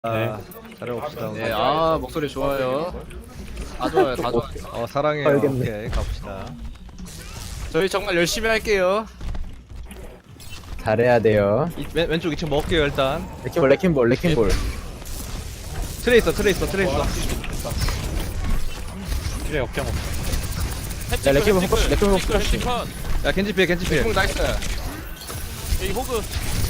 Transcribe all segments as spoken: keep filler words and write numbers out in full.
아, 잘해봅시다. 오늘. 네, 아 목소리 좋아요. 다 좋아요, 다 좋아요. 어, 사랑해요. 알겠네. 오케이, 갑시다. 저희 정말 열심히 할게요. 잘해야 돼요. 이, 왼, 왼쪽 이 층 먹을게요, 일단. 레킹볼, 레킹볼, 레킹볼. 트레 있어, 트레 있어, 트레 있어. 그래 역경 없어. 야, 레킹볼 포커스, 레킹볼 포커스. 야, 겐지 피해, 겐지 피해. 공 나이스. 여기 호그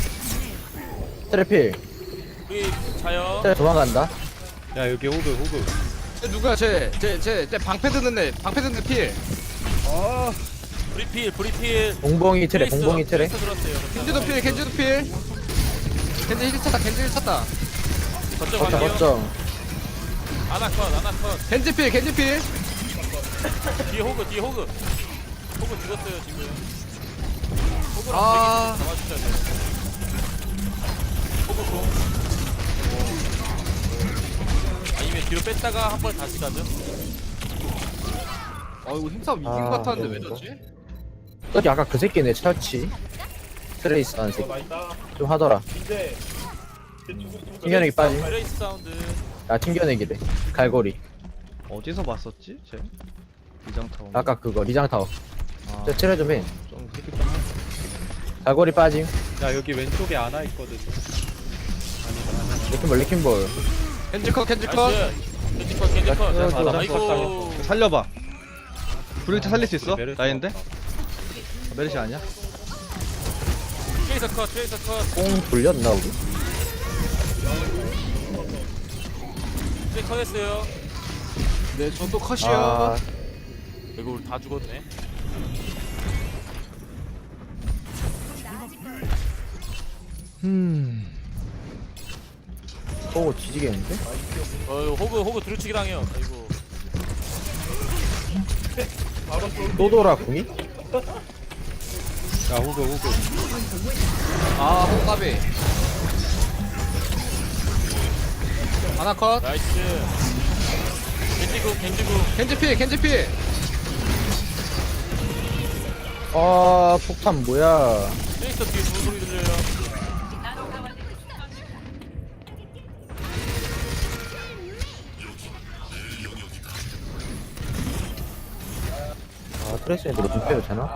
트래필. 여기 자요. 트래 도망간다. 야 여기 호그 호그. 쟤 누구야, 쟤, 쟤, 쟤, 쟤 방패 드는 애, 방패 드는 애 필. 브리필 브리필. 봉봉이 트래, 트레이서, 봉봉이 트래. 트레이서 들었어요. 겐지도 필, 겐지도 필. 겐지 힐 찼다, 겐지 힐 찼다. 거점 거점, 갈게요. 거점. 아나컷 아나컷. 겐지 필, 겐지 필. 뒤에 호그 뒤에 호그. 호그 죽었어요 지금. 호그랑 아. 아... 잡아주셔야 돼요. 호그 공. 아니면 뒤로 뺐다가 한 번 다시 가죠. 어, 이거 힘싸움 이긴 아, 것 같았는데 왜 이거. 졌지? 저기 아까 그 새끼네, 처치. 트레이스 하는 새끼. 좀 하더라. 튕겨내기 빠짐. 트레이스 사운드. 아, 튕겨내기래. 갈고리. 어디서 봤었지, 쟤? 이장타운. 아까 그거, 리장타워. 아, 저 트레 좀 해. 좀 새끼 좀. 갈고리 빠짐. 야 여기 왼쪽에 안아 있거든. 레킹볼, 레킹볼. 겐지 컷, 겐지 컷. 나이스. 겐지컷 겐지컷. 야, 야, 아이고. 살려봐. 브릴트 살릴 수 있어? 메르시. 나인데? 아, 메르시 아니야? 트레이서 컷 트레이서 컷. 꽁 돌렸나, 우리? 트레이 컷했어요. 네, 저도 컷이요. 아, 이거 우리 다 죽었네. 음. 오, 뒤지겠는데? 어 이거 호그 호그 두루치기 당해요. 아이고. 또 돌아, 궁이? 야 호그 호그. 아, 호가비. 하나 컷. 나이스. 겐지구 겐지구. 겐지 필, 겐지 필. 아, 폭탄 뭐야. 트레이서 뒤에 무슨 소리 들려요? 아, 트레이스한테 좀 빼도 되나?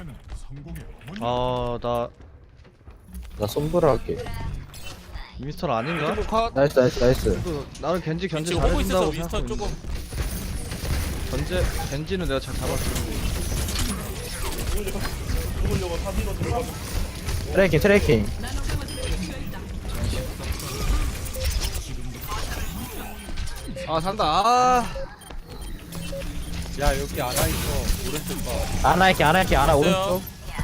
아, 나 나 솜브라 할게. 미스터 아닌가? 겐지 컷. 나이스, 나이스, 나이스. 그, 나는 겐지 견제 지금 호그 있어서 잘해준다고 윈스턴 생각하고 조금. 있는데 견제, 겐지는 내가 잘 잡았어. 트래킹, 트래킹. 아, 산다. 아. 야 여기 안아 있어. 오른쪽 봐. 아나 할게, 아나 할게, 아나 있어요. 오른쪽.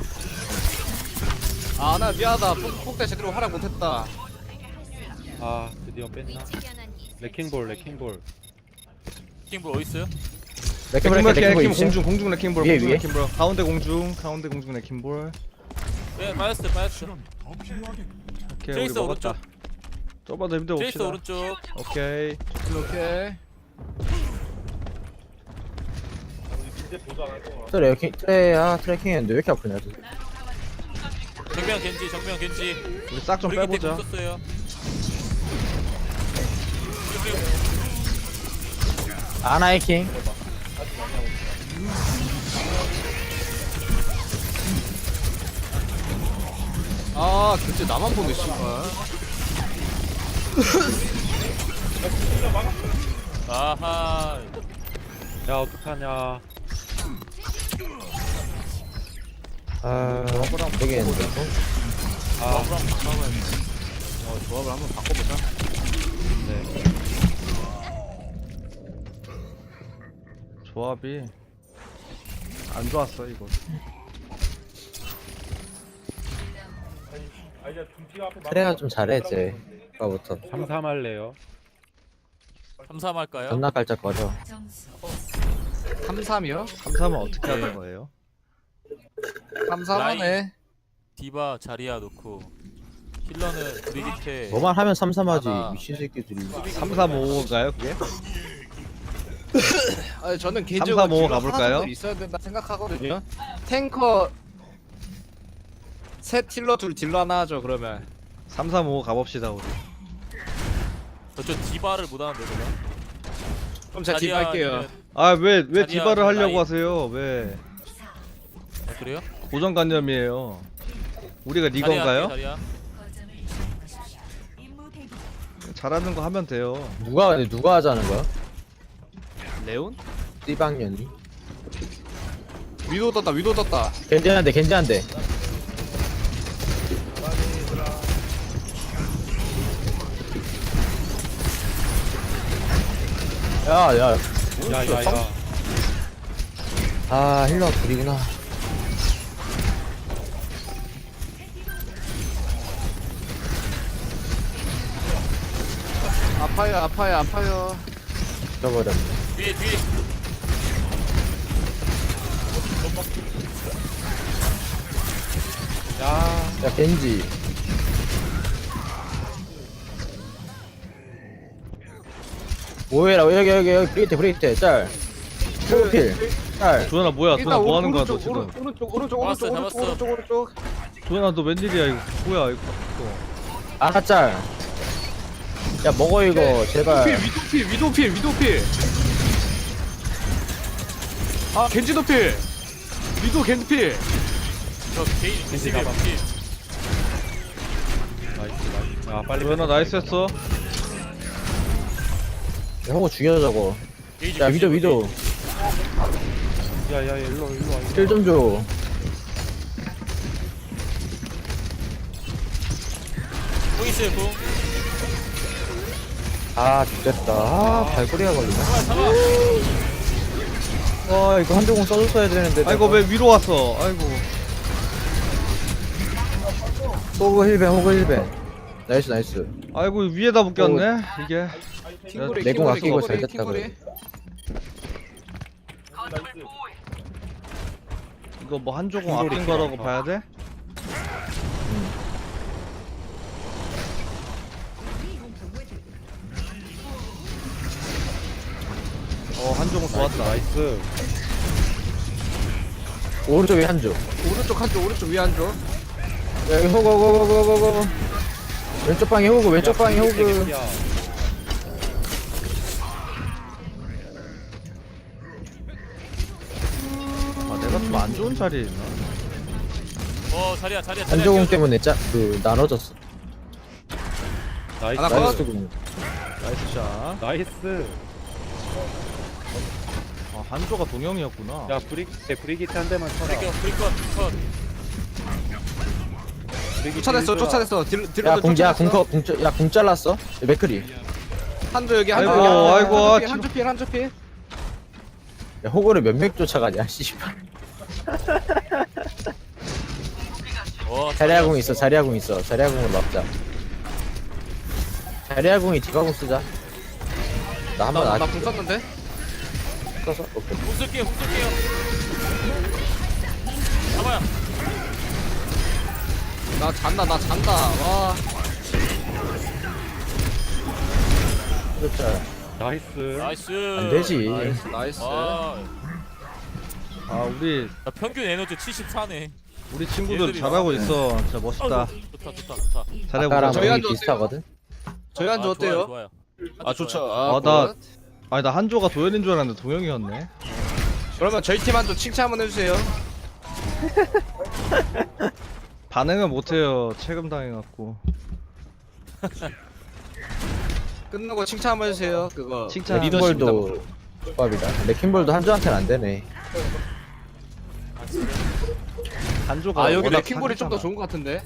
아, 나 미안하다. 폭- 폭대 제대로 활약 못했다. 아 드디어 뺐나? 레킹볼 레킹볼. 킹볼 어디 있어요? 레킹볼, 레킹볼, 레킹볼 레킹볼, 있지? 공중, 공중 레킹볼, 위에, 공중 위에? 레킹볼. 가운데 공중, 가운데 공중 레킹볼. 네 빠졌어 빠졌어. 오케이, 우리 트레이서 먹었다. 오른쪽. 좁아도 힘들어 봅시다. 트레이서 오른쪽. 오케이. 오케이. 트레, 레킹, 트레, 아, 트래킹 했는데 왜 이렇게 아프냐, 저. 정면 겐지 정면 겐지. 우리 싹 좀 우리 밑에 빼보자. 공 썼어요. 아나 해킹. 아, 그때 나만 보네, 씨발. 아하. 야 어떡하냐. 아, 되겠는데. 아 어, 조합을 한번 바꿔보자. 네. 조합이 안 좋았어 이거. 트레가 좀 잘해, 쟤. 아까부터. 삼삼할래요. 삼삼 할까요? 존나 깔짝거려. 삼 삼이요? 삼삼은 어떻게 하는 거예요? 삼 삼 하네. 디바 자리야 놓고 힐러는 브리기테. 뭐만 하면 삼삼하지, 아나. 미친 새끼들이. 삼삼오오인가요 그게? 아, 저는 개인적으로 삼 삼 오 딜러 가볼까요? 하나도 있어야 된다 생각하거든요. 탱커 셋 힐러 둘 딜러 하나 하죠 그러면. 삼삼오오 가봅시다 우리. 저 디바를 못하는데 제가. 그럼 제가 자리야, 딥할게요. 아니면- 아 왜 왜 자리야, 디바를 하려고 라인. 하세요? 왜 아, 그래요? 고정관념이에요. 우리가 자리야, 리건가요? 자리야. 잘하는 거 하면 돼요. 누가 근데 누가 하자는 거야? 레온? 띠방년이. 위도 떴다 위도 떴다. 괜찮은데 괜찮은데. 야야. 야야야. 아 힐러 둘이구나. 아파요 아파요 아파요. 죽어버렸네. 뒤에 뒤에. 야. 야 겐지. 뭐해라 여기 여기 여기 브리트 브리트 짤. 프로필 짤. 조연아 뭐야? 일단 조연아 뭐 하는 거야 너 오른쪽, 지금? 오른- 오른쪽 오른쪽 잡았어, 오른쪽 오른쪽 잡았어. 오른쪽 오른쪽. 조연아 너 웬일이야 이거? 뭐야 이거? 또. 아나 짤. 야 먹어 이거 제발. 위도필 위도필 위도필. 아 겐지도필. 위도 겐지필. 저 개인 겐지 집에 잡아. 뒤에. 나이스 나이스. 야 빨리. 조연아 뺐어, 나이스 했어. 야, 호구 죽여 저거. 게이지, 야 게이지, 위도 위도. 게이지. 야야 일로 일로 와. 힐 좀 줘. 공 있어요 공. 아 죽겠다. 아 발꼬리가 걸리네. 잡아 잡아. 와 이거 한조공 써줬어야 되는데. 아이고 왜 위로 왔어? 아이고. 호구 힐벤 호구 힐벤. 나이스 나이스. 아이고 위에다 묶였네 이게. 킹구리 내공 킹구리, 아끼고 킹구리, 잘 됐다, 킹구리. 그래. 이거 뭐 한조공 킹돌이 아낀 거라고 있구나. 봐야 돼? 어 한조공 좋았다. 나이스. 오른쪽에 한조. 오른쪽 한쪽 오른쪽 위 한쪽. 야 여기 호구 호구 호구 호구 호구. 왼쪽 방에 호구 왼쪽 방에 호구. 야. 아 내가 좀 안 좋은 자리에 있나? 어 자리야 자리야 자리야. 한조공 끼워줘. 때문에 짜그 나눠졌어. 나이스. 하나 컷. 나이스 공. 나이스 샷. 나이스. 아 한조가 동영이었구나. 야 브릭 브리기트 한 대만 쳐라. 브리컷 브리컷 컷. 브리기트 쫓아냈어 일줘라. 쫓아냈어. 딜 야 딜러들 공, 야 쫓아냈어. 공커 공짜 야공 잘랐어. 맥크리. 한조 여기 한조 아이고, 여기 아이고, 아, 한조 한조 필 한조 필. 야 호구를 몇 명 쫓아가냐 씨발. 어 자리아공 있어 자리아공 있어 자리아공을 막자. 자리아공이 디바공 쓰자. 나 한번 아 나나공 썼는데. 써서 오케이. 공 쓸게요 공 쓸게요. 잡아요. 나 잔다 나 잔다. 와. 그렇죠. 나이스. 나이스. 안 되지. 나이스 나이스. 아, 아 우리 나 평균 에너지 칠십사네. 우리 친구들 얘들이 잘하고 나오네. 있어. 진짜 멋있다. 좋다 좋다 좋다. 잘하고 아까랑 있어. 저희 거의 한조 비슷하거든. 저희 한조 아, 어때요? 좋아요, 좋아요. 아 좋죠. 좋아요. 아, 아, 나- 굿. 아니 나 한조가 도현인 줄 알았는데 동영이었네. 그러면 저희 팀 한조 칭찬 한번 해주세요. 반응은 못해요. 체금 당해갖고. 끝나고 칭찬 한번 해주세요. 그거 칭찬. 레킹볼도 조합이다. 레킹볼도 한조한테는 안 되네. 한조가 아 여기 워낙 레킹볼이 좀 더 사기잖아. 좋은 것 같은데.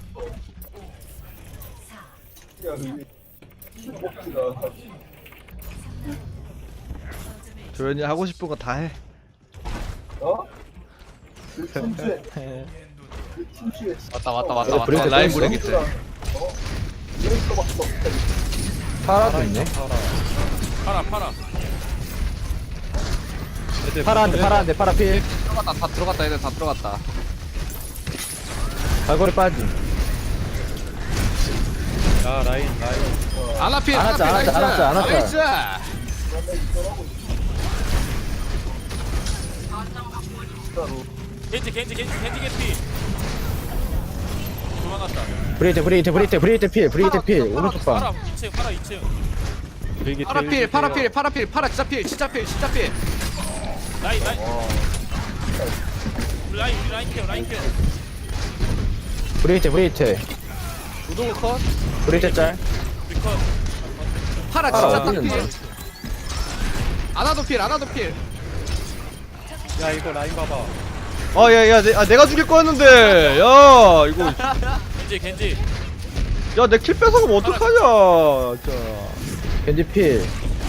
조현이 하고 싶은 거 다 해. 왔다 왔다 왔다 어, 왔다. 브레이크 라인 떴어? 브레이크 때. 파라도 있네. 팔아 팔아. 파라한테 파라한테 파라 필. 들어갔다 다 들어갔다 얘들 다 들어갔다. 발걸이 빠짐. 야 라인 라인. 아나필 안 왔자, 안 왔자, 안 왔자, 안 왔자. 나이스. 겐지 겐지 겐지 겐지 겐지. 도망갔다. 브레이트 브레이트 브레이트 브레이트 필 브레이트 필 오른쪽 팔아 방. 이 층 팔아 이 층. 브리기트 파라 필 파라 필 파라 필 파라 진짜 필 진짜 필 진짜 필 라인 라인 우리 라인 우리 라인 케어 라인 케어 브레이트 브레이트 우동 컷 브레이트 짤 우리 컷 파라 파라 진짜 어디 있는데? 딱필 아나도 필 아나도 필 야 이거 라인 봐봐. 아, 야, 야, 내, 아, 내가 죽일 거였는데. 야, 이거. 겐지 겐지 야, 내 킬 뺏어가면 어떡하냐. 진짜. 겐지 필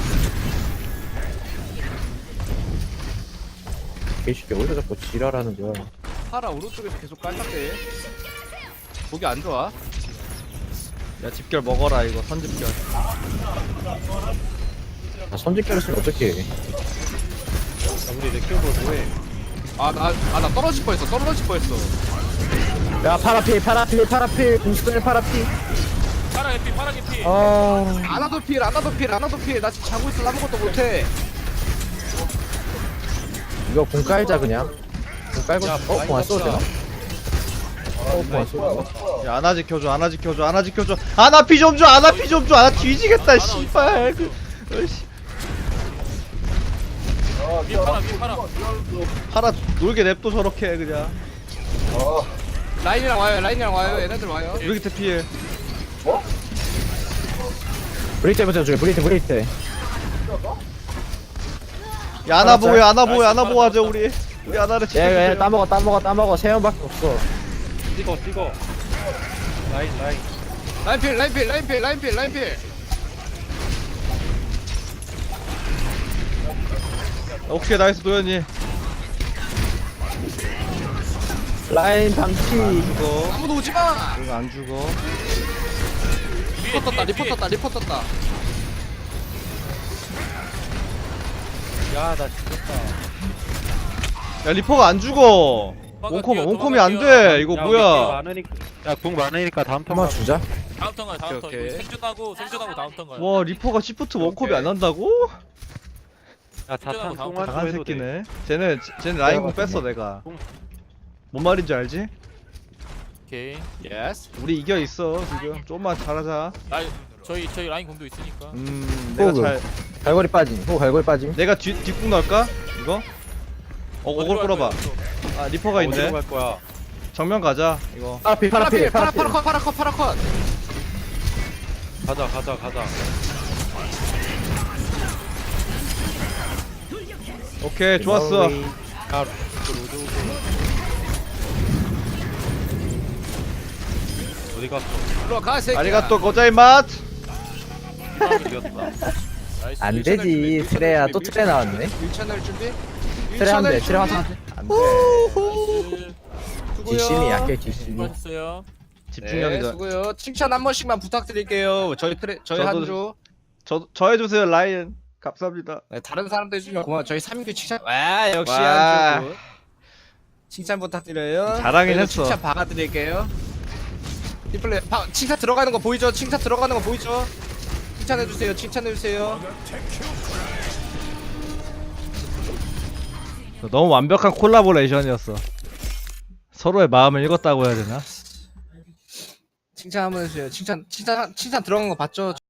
개새끼 어디서 자꾸 지랄하는 거야. 파라 오른쪽에서 계속 깔짝대 보기 안 좋아 야, 집결 먹어라, 이거. 선집결. 아, 선짓결 쓰면 어떡해. 야, 우리 내 키워볼 뭐해? 아나 아 나 떨어질 뻔했어 떨어질 뻔했어 야 파라필 파라필 파라필 공수들 파라필. 파라 개피 파라 개피 아 아나도 필 아나도 필 아나도 필나 지금 자고 있어 아무것도 못해 이거 공 깔자 그냥. 공 깔고. 야, 어? 공 안 써도 되나? 어? 공 안 써도 되나? 야, 아나 지켜줘, 아나 지켜줘, 아나 지켜줘. 아나 피 좀 줘, 아나 피 좀 줘. 아나 뒤지겠다, 씨발. 그, 어이씨. 위에 파라 위에 파라 팔아 놀게 냅둬, 저렇게, 그냥. 라인이랑 와요 라인이랑 와요 얘네들 와요 브리기트 피해. 브레이트 해보자 저기 브레이트 브레이트. 야, 아나 보여, 아나 보여, 나이스, 아나 파라 보호하자, 잡았다. 우리. 우리 아나를 얘, 얘, 지켜주세요. 따먹어, 따먹어, 따먹어. 세 명밖에 없어. 찍어 찍어. 라인 라인. 라인 필 라인 필 라인 필 라인 필 라인 필 오케이, 나이스, 도현이. 라인 반피. 이거. 아무도 오지마 이거 안 죽어. 위에 리포 떴다 뒤에, 리포 뒤에. 떴다 리포 떴다 야 나 죽었다. 야, 리퍼가 안 죽어. 도망갈게요, 원콤, 원콤이 안 도망갈게요. 돼. 이거 야, 우리 길 뭐야. 많으니까. 야궁 많으니까 다음 턴 한번 가자. 주자. 다음 턴 가요 다음 턴 오케이, 오케이. 생존하고 생존하고 다음 턴 가요 와, 리퍼가 시프트 원콤이 안 난다고? 야 자탄 다음 똥만 강한 해도 돼. 새끼네. 쟤네, 쟤네 라인 공 뺐어, 내가. 뭔 말인지 알지? 오케이 예스 우리 이겨 있어, 지금. 좀만 잘하자. 라인 저희 저희 라인 공도 있으니까 음, 내가 호그. 잘. 갈고리 빠짐. 호 갈고리 빠짐. 내가 뒤, 뒷궁 넣을까? 이거? 어, 어디로 어글 갈 끌어봐. 거예요, 또? 아, 리퍼가 어디로 있네. 갈 거야? 정면 가자, 이거. 파라필, 파라 필 파라필, 파라 파라필. 파라 컷 파라 컷 파라 컷 가자 가자 가자. 오케이, 좋았어. 야 로드 어디 갔어? 일로 가 새끼야 아리가또 고자이맛. 이겼다. 나이스. 안 되지. 트레야 또 트레 나왔네. 일 채널 준비 트레 한 대, 트레 한 대. 안 돼. 나이스. 뒷심이 약해, 뒷심이. 수고하셨어요 네, 집중력이다. 수고요. 칭찬 한 번씩만 부탁드릴게요. 저희 트레 저희 저도- 한주 저, 저 해주세요, 라이언. 감사합니다. 네, 다른 사람들 해주면 고마워. 저희 삼 주 칭찬. 와 역시 와. 한주 칭찬 부탁드려요. 잘하긴 저희도 했어. 칭찬 박아드릴게요. 디플레 바, 칭찬 들어가는 거 보이죠? 칭찬 들어가는 거 보이죠? 칭찬해주세요. 칭찬해주세요. 너무 완벽한 콜라보레이션이었어. 서로의 마음을 읽었다고 해야 되나? 칭찬 한번 해주세요. 칭찬 칭찬 칭찬 들어간 거 봤죠?